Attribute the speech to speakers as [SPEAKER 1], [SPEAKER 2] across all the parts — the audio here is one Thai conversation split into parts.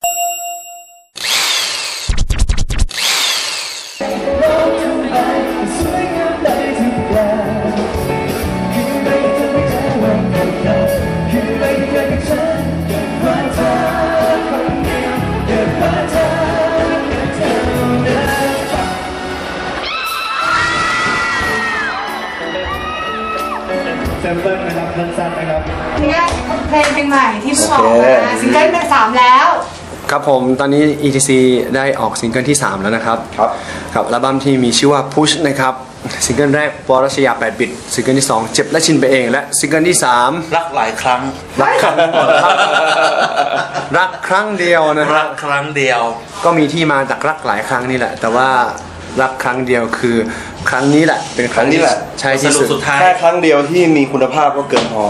[SPEAKER 1] แซมเปิลนะครับสั้นๆนะครับ
[SPEAKER 2] นี่เพลงใหม่ที่เพิ่งออกมาซิงเกิลที่3แล้ว
[SPEAKER 3] ครับผมตอนนี้ ETC ได้ออกซิงเกิลที่3แล้วนะครับครับอัลบั้มที่มีชื่อว่า Push นะครับซิงเกิลแรกปรัชญา8 บิตซิงเกิลที่2เจ็บและชินไปเองและซิงเกิลที่3
[SPEAKER 4] รักหลายครั้ง
[SPEAKER 3] รักครั้งรักครั้งเดียวนะ
[SPEAKER 4] รักครั้งเดียว
[SPEAKER 3] ก็มีที่มาจากรักหลายครั้งนี่แหละแต่ว่ารักครั้งเดียวคือครั้งนี้แหละเป็นครั้งนี้แหละใช่ที่สุด
[SPEAKER 4] แค่
[SPEAKER 1] ครั้งเดียวที่มีคุณภาพก็เกินพอ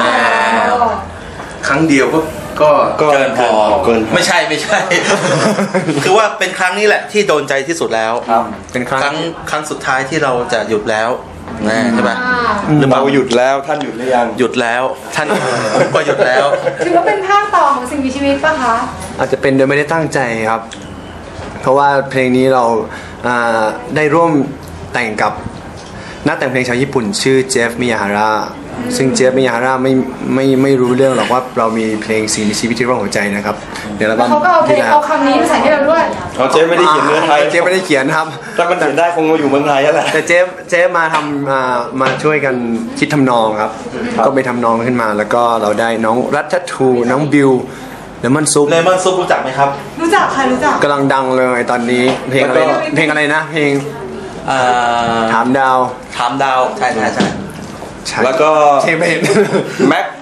[SPEAKER 3] ครั้งเดียวก็
[SPEAKER 4] เกินพอไม่ใช่ คือว่าเป็นครั้งนี้แหละที่โดนใจที่สุดแล้ว
[SPEAKER 3] เป็นค
[SPEAKER 4] รั้งสุดท้ายที่เราจะหยุดแล้วใช่ไหม
[SPEAKER 1] เราหยุดแล้วท่านหยุดหรือยัง
[SPEAKER 4] หยุดแล้วท่านก็หยุดแล้ว
[SPEAKER 2] ถือว่าเป็นภาคต่อของสิ่งมีชีวิตป่ะคะ
[SPEAKER 3] อาจจะเป็นโดยไม่ได้ตั้งใจครับเพราะว่าเพลงนี้เราได้ร่วมแต่งกับนักแต่งเพลงชาวญี่ปุ่นชื่อเจฟมิยาฮาระซึ่งเจฟมิยาฮาระไม่รู้เรื่องหรอกว่าเรามีเพลงสิ่งมีชีวิตที่ร้องหัวใจนะครับ
[SPEAKER 2] เดี๋ยวเขาก็เอาคำนี้มาใส่ให้เราด้วย
[SPEAKER 1] เจฟไม่ได้เขียนเนื้อไทย
[SPEAKER 3] เจฟไม่ได้เขียนครับ
[SPEAKER 1] ถ้ามันเขียนได้คงมาอยู่เมืองไทยแล้วแหละ
[SPEAKER 3] แต่เจฟมาทำมาช่วยกันคิดทำนองครับก็ไปทำนองขึ้นมาแล้วก็เราได้น้องรัตทูน้องบิวเลมอนซุป
[SPEAKER 4] รู้จักไหมครับ
[SPEAKER 2] รู้จักค่ะรู้จัก
[SPEAKER 3] กำลังดังเลยตอนนี้เพลงอะไรนะเพลงถามดาว
[SPEAKER 4] ใช่
[SPEAKER 1] แล้วก็แม็ก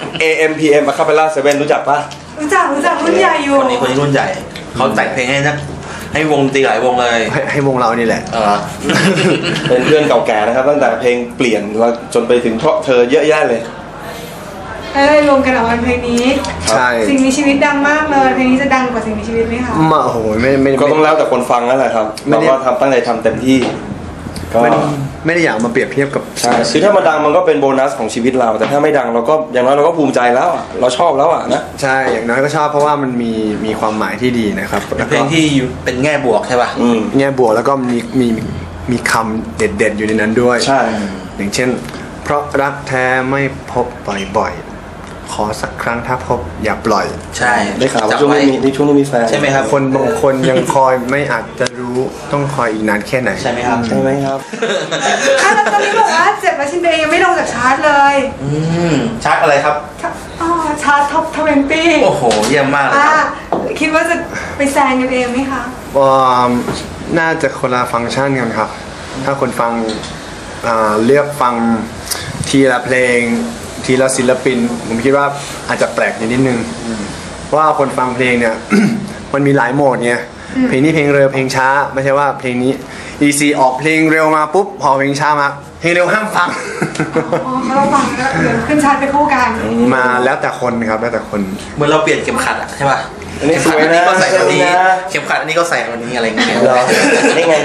[SPEAKER 1] AMPM Acapella 7รู้จักปะ
[SPEAKER 2] รู้จักรุ่นใหญ่อยู่
[SPEAKER 4] คนนี้รุ่นใหญ่เขาแต่งเพลงให้วงตีหลายวงเลย
[SPEAKER 3] ให้วงเรานี่แหละ
[SPEAKER 1] เป็นเพื่อนเก่าแก่นะครับตั้งแต่เพลงเปลี่ยนแล้วจนไปถึงเพราะเธอเยอะแยะเลย
[SPEAKER 2] รวมกันออกมาเพลงนี้
[SPEAKER 3] ใช่
[SPEAKER 2] สิ่งมีชีวิตดังมากเลยเพลงนี้จะดังกว่าสิ่งมีชีวิตไหมคะ
[SPEAKER 3] มาโอ้โหไม่
[SPEAKER 1] ก็ต้องแล้วแต่คนฟังนั่นแหละครับเราก็ตั้งใจทำเต็มที่
[SPEAKER 3] ก็ไม่ได้อยากมาเปรียบเทียบกับ
[SPEAKER 1] ใช่คือถ้ามันดังมันก็เป็นโบนัสของชีวิตเราแต่ถ้าไม่ดังเราก็อย่างน้อยเราก็ภูมิใจแล้วเราชอบแล้วนะ
[SPEAKER 3] ใช่อย่างน้อยก็ชอบเพราะว่ามันมีความหมายที่ดีนะครับ
[SPEAKER 4] เพลงที่เป็นแง่บวกใช่ป่ะ
[SPEAKER 3] แง่บวกแล้วก็มีคำเด็ดๆอยู่ในนั้นด้วย
[SPEAKER 1] ใช่
[SPEAKER 3] อย่างเช่นเพราะรักแท้ไม่พบบ่อยขอสักครั้งถ้าพบอย่าปล่อย
[SPEAKER 4] ใช่
[SPEAKER 1] ได้ข่าวว่าช่วงนี้มีแฟน
[SPEAKER 4] ใช่ไหมครับ
[SPEAKER 3] คนบางคนยังคอยไม่อาจจะรู้ต้องคอยอีกนานแค่ไหน
[SPEAKER 4] ใช่ไหมครับ
[SPEAKER 1] ใช่ไหมครับ
[SPEAKER 2] ตอนนี้บอกว่าเจ็บและชินเดย์ยังไม่ลงจากชาร์ตเลย
[SPEAKER 4] ชาร์ตอะไรครับ
[SPEAKER 2] ชาร์ตท็อป20
[SPEAKER 4] โอ้โหเยี่ยมมากเลยครับ
[SPEAKER 2] คิดว่าจะไปแซงกันเองไหมคะ
[SPEAKER 3] น่าจะคนละฟังก์ชันกันครับถ้าคนฟังเลือกฟังทีละเพลงทีละศิลปินผมคิดว่าอาจจะแปลกนิดนึงเพราะว่าคนฟังเพลงเนี่ย มันมีหลายโหมดไงเพลงนี้เพลงเร็วเพลงช้าไม่ใช่ว่าเพลงนี้ EC ออกเพลงเร็วมาปุ๊บพอเพลงช้ามาเพลงเร็วห้ามฟัง
[SPEAKER 2] เขาฟังแล้วเดี๋ยวขึ้นชาร์ตไปคู่กัน
[SPEAKER 3] มาแล้วแต่คนครับแล้วแต่คน
[SPEAKER 4] เหมือนเราเปลี่ยนเข็มขัดใช่ป่ะ
[SPEAKER 1] อันนี้สวยนะ
[SPEAKER 4] ก็ใส่วันนี้เข็มขัดอันนี้ก็ใส่วันนี้อะไรเงี้ย
[SPEAKER 1] ได้ไง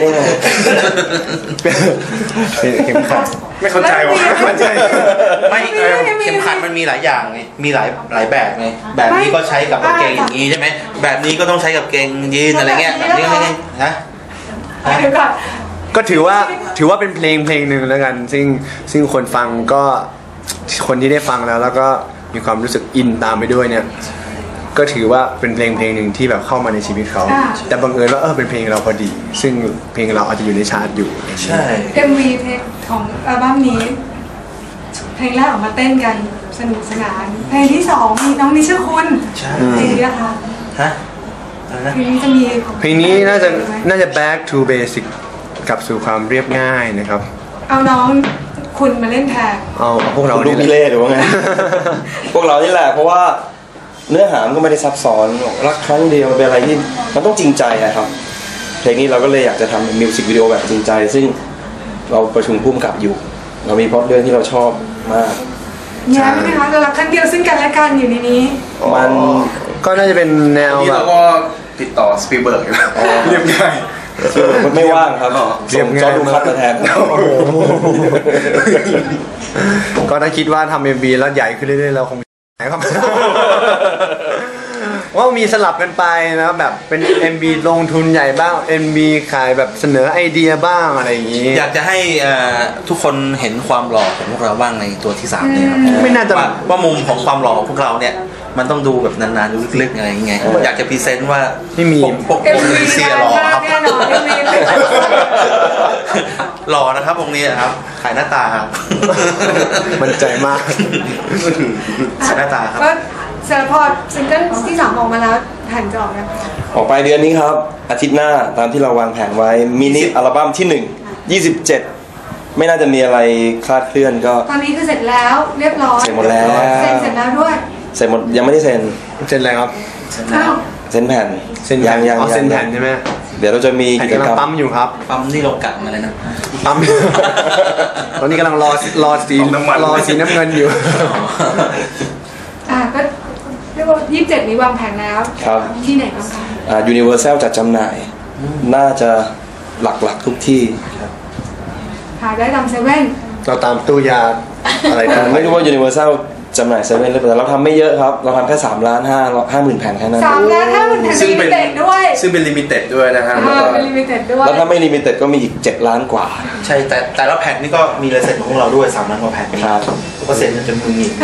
[SPEAKER 3] เข็มขัดไม่เข้าใจว่ะ
[SPEAKER 4] ไม่เข็มขัดมันมีหลายอย่างไงมีหลายแบบไงแบบนี้ก็ใช้กับกางเกงอย่างนี้ใช่ไหมแบบนี้ก็ต้องใช้กับเกงยีนอะไรเงี้ยแบบนี้นะ
[SPEAKER 3] ก็ถือว่าเป็นเพลงหนึ่งแล้วกันซึ่งคนฟังก็คนที่ได้ฟังแล้วก็มีความรู้สึกอินตามไปด้วยเนี่ยก็ถือว่าเป็นเพลงหนึ่งที่แบบเข้ามาในชีวิตเขาแต่บังเอิญว่าเป็นเพลงเราพอดีซึ่งเพลงเราอาจจะอยู่ในชาร์ตอยู่
[SPEAKER 4] ใช่
[SPEAKER 2] MV เพลงของอัลบั้มนี้เพลงแรกออกมาเต้นกันสนุกสนานเพลงที่2มีน้องนิชคุณเพลงนี้นะคะเพลงนี้จะมี
[SPEAKER 3] เพลงนี้น่าจะ back to basic กลับสู่ความเรียบง่ายนะครับ
[SPEAKER 2] เอาน้องคุณมาเล่นแทน
[SPEAKER 3] เอาพวกเรา
[SPEAKER 1] ลูกพี่เล่หรือว่าไง พวกเรานี่แหละเพราะว่าเนื้อหามันก็ไม่ได้ซับซ้อนรักครั้งเดียวเป็นอะไรที่มันต้องจริงใจนะครับเพลงนี้เราก็เลยอยากจะทำเป็นมิวสิกวิดีโอแบบจริงใจซึ่งเราประชุมพุ่มกับอยู่เรามีพล็อตเรื่องที่เราชอบมาก
[SPEAKER 2] ใช่ไหมคะเรารักครั้งเดียวซึ่งกันและกันอยู่ในนี้
[SPEAKER 3] มันก็น่าจะเป็นแนว
[SPEAKER 1] ที่เราก็ติดต่อสปีลเบิร์กอยู่เรียบง่ายไม่ว่างครับส่งจอดูคัดมาแทน
[SPEAKER 3] ก็ถ้าคิดว่าทำ MV แล้วใหญ่ขึ้นเรื่อยๆเราคงครับว่ามีสลับกันไปนะแบบเป็น MV ลงทุนใหญ่บ้าง MV ขายแบบเสนอไอเดียบ้างอะไรอย่างนี้
[SPEAKER 4] อยากจะให้ทุกคนเห็นความหล่อของพวกเราบ้างในตัวที่3เนี่ยครับ
[SPEAKER 3] ไม่น่าจะ
[SPEAKER 4] ว่ามุมของความหล่อของพวกเราเนี่ยมันต้องดูแบบนานๆดูลึกๆอะไรอย่างเงี้ยอยากจะพรีเซนต์ว่า
[SPEAKER 3] ไม่มี
[SPEAKER 4] พวกเซียหล่อครับ
[SPEAKER 2] แน่นอน MV
[SPEAKER 4] หล่อนะครับวงนี้ครับขายหน้าตาครับ
[SPEAKER 3] มั่นใจมาก
[SPEAKER 4] ขายหน้าตาครับ
[SPEAKER 2] ก็เสร็จพอซิงเกิลที่3ออกมาแล้วแผ่นจะออกยัง
[SPEAKER 1] ออกไปเดือนนี้ครับ อาทิตย์หน้าตามที่เราวางแผนไว้มินิอัลบั้มที่ 1 27 ไม่น่าจะมีอะไรคลาดเคลื่อนก็
[SPEAKER 2] ตอนนี้คือเสร็จแล้วเรียบร้อย
[SPEAKER 1] เสร็จหมดแล้ว
[SPEAKER 2] เสร็จแล้วด้วย
[SPEAKER 1] เสร็จหมดยังไม่ได้เซ็น
[SPEAKER 3] เซ็นอะไรครับ
[SPEAKER 2] อ้าว
[SPEAKER 1] เซ็นแผ่น
[SPEAKER 3] เซ็นแผ่น
[SPEAKER 1] ยัง
[SPEAKER 3] อ๋อเซ็นแผ่นใช่ไหม
[SPEAKER 1] เดี๋ยวเราจะมี
[SPEAKER 3] แผ่น
[SPEAKER 1] กิจ
[SPEAKER 3] กำลั
[SPEAKER 1] ก
[SPEAKER 3] ง
[SPEAKER 1] รรม
[SPEAKER 3] ปั๊มอยู่ครับ
[SPEAKER 4] ปั๊มนี่เรากัดมาเลยนะ
[SPEAKER 3] ปั๊ม ตอนนี้กำลังรอสีน้ำเงินอยู่
[SPEAKER 2] ก็เรียกว่า27นี้วางแผนแล้ว
[SPEAKER 1] ครับ
[SPEAKER 2] ที่ไหนบ้างคะ
[SPEAKER 1] Universal จัดจำหน่าย น่าจะหลักๆทุกที่
[SPEAKER 2] หาได้ตามเซเว่น
[SPEAKER 3] เราตามตู้ยาอะไรนะ
[SPEAKER 1] ไม่รู้ว่า Universal จำหน่ายเซเว่นหรือเปล่าแต่เราทำไม่เยอะครับ เราทำแค่3,550,000 แผ่นแค่นั้น
[SPEAKER 2] 3,50,000 แผ่นลิมิเต็ดด้วย
[SPEAKER 3] ซึ่งเป็นลิมิเต็ดด้วยนะฮะ
[SPEAKER 2] เป็นลิมิเต็ดด้วย
[SPEAKER 1] แล้วถ้าไม่ลิมิเต็ดก็มีอีก7 ล้านกว่า
[SPEAKER 4] ใช่แต่ละแผ่นนี่ก็มีลายเซ็นของพวกเราด้วย3 ล้านกว่าแผ่น
[SPEAKER 1] ครับ
[SPEAKER 4] ก็เซ็นจนมือหงิก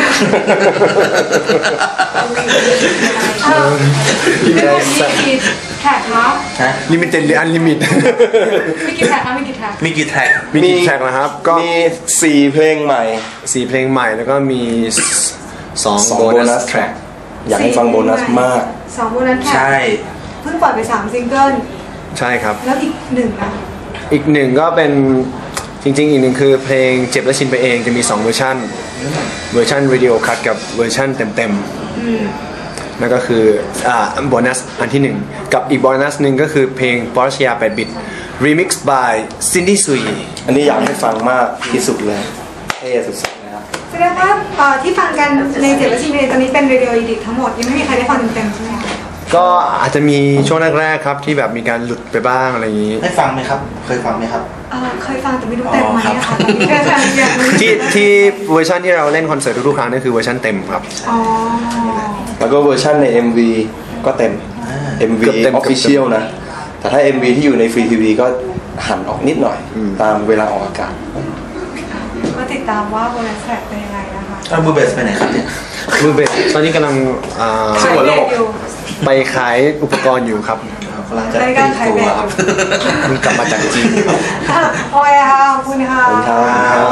[SPEAKER 2] มีกี่แท็กคะ
[SPEAKER 4] ฮะ
[SPEAKER 3] ลิมิเต็ดหรืออันลิมิต
[SPEAKER 2] มีกี่แท็กคะมีกี่แท็ก
[SPEAKER 4] มีกี่แท็ก
[SPEAKER 3] มีกี่แทร็กนะครับ ก็
[SPEAKER 1] มี4 เพลงใหม่
[SPEAKER 3] 4 เพลงใหม่แล้วก็มี2
[SPEAKER 1] 2
[SPEAKER 3] โบ
[SPEAKER 1] โบ
[SPEAKER 3] นั
[SPEAKER 1] นั
[SPEAKER 3] ส
[SPEAKER 1] ส
[SPEAKER 3] แท
[SPEAKER 1] แท
[SPEAKER 3] ร็
[SPEAKER 1] ร็
[SPEAKER 3] ก
[SPEAKER 1] กอยากให้ฟังโบนัสมาก
[SPEAKER 2] 2 โบนัสแท็ก
[SPEAKER 4] ใช่
[SPEAKER 2] เพิ่งปล่อยไป3 ซิงเกิล
[SPEAKER 3] ใช่ครับ
[SPEAKER 2] แล้วอีก1นะ
[SPEAKER 3] อีกหนึ่งก็เป็นจริงๆอีกหนึ่งคือเพลงเจ็บและชินไปเองจะมี2 เวอร์ชันวิดีโอคัทกับเวอร์ชันเต็มๆนั่นก็คือโบนัสอันที่ 1 กับอีกโบนัสหนึ่งก็คือเพลง Porsche 8 bit remix by Cindy Sui
[SPEAKER 1] อันนี้อยากให้ฟังมากที่สุดเลยเท่สุดๆนะครับ
[SPEAKER 2] แสดงว่าที่ฟังกันในเจ็บและชินเองตอนนี้เป็นเรดิโออีดิททั้งหมดยังไม่มีใครได้ฟังเต็มๆใช่ไหมคะ
[SPEAKER 3] ก็อาจจะมีช่วงแรกๆครับที่แบบมีการหลุดไปบ้างอะไรอย่างนี้
[SPEAKER 4] ได้ฟังไหมครับ เคยฟังไหมครับ
[SPEAKER 2] เคยฟังแต่ไม่รู้เต็มไหมอะค่ะตอนนี้แค่ฟังอย่างนี้
[SPEAKER 3] ที่เวอร์ชันที่เราเล่นคอนเสิร์ตทุกๆครั้งนั่นคือเวอร์ชันเต็มครับ
[SPEAKER 2] อ๋อ
[SPEAKER 1] แล้วก็เวอร์ชันใน MV ก็เต็ม MV
[SPEAKER 3] เกือบเต็ม
[SPEAKER 1] Official นะ แต่ถ้า MV ที่อยู่ในฟรีทีวีก็หั่นออกนิดหน่อย ตามเวลาออกอากาศ
[SPEAKER 2] ก็ติดตามว่าโบนัสแท็กเป็นยังไงนะคะ
[SPEAKER 4] เอาบูเบสไปไหนครับเนี่ย
[SPEAKER 3] มือเบสตอนนี้กำลัง
[SPEAKER 2] ขายเบรกอยู่
[SPEAKER 3] ไปขายอุปกรณ์อยู่ครับ
[SPEAKER 4] กำลังจะ
[SPEAKER 2] ราย
[SPEAKER 4] ตี
[SPEAKER 2] การขาย
[SPEAKER 4] ตั
[SPEAKER 2] เบร
[SPEAKER 4] ว
[SPEAKER 2] ก
[SPEAKER 4] ครับ
[SPEAKER 3] เพิ่งกลับมาจากจีน
[SPEAKER 2] โอ้ยค่ะขอบคุณค่ะ
[SPEAKER 1] ขอบคุณครับ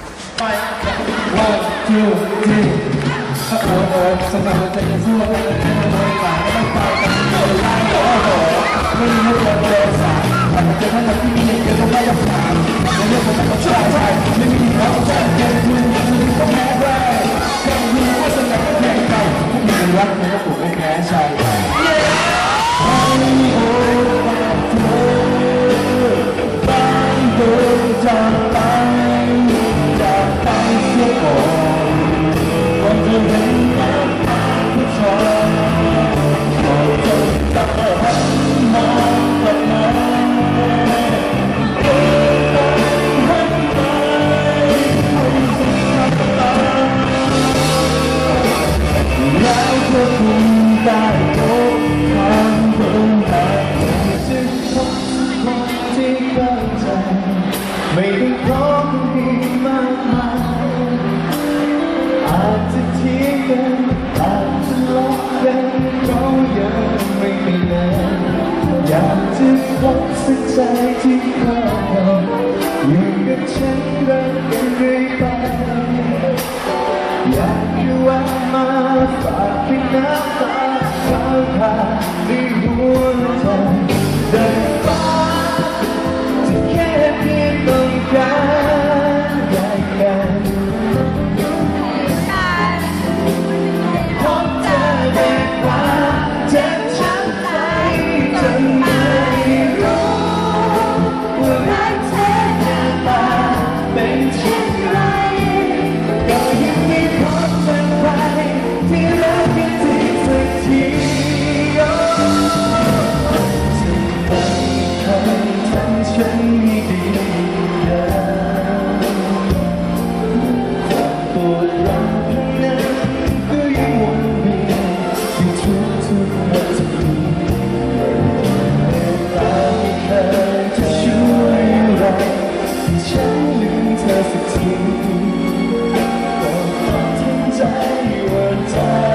[SPEAKER 5] ไม่ได้พร้อมดีมากมายอาจจะเทียงกันอาจจะลบกันก็ยังไม่มีแน่อยากจะพบสักใจที่เข้ากันอยู่กับฉันรักกันเรื่อยไปอยากจะแวะมาฝากเพียงน้ำตาขาวผ่านในหัวใจได้ฟ้า แค่เพียงต้องการได้กันพบเธอได้ความเจ็บช้ำใจจนไม่รู้ว่ารักเธอหน้าตาเป็นเช่นไรก็ยังไม่พบเจอใครที่รักกันจริงสักทีดใจ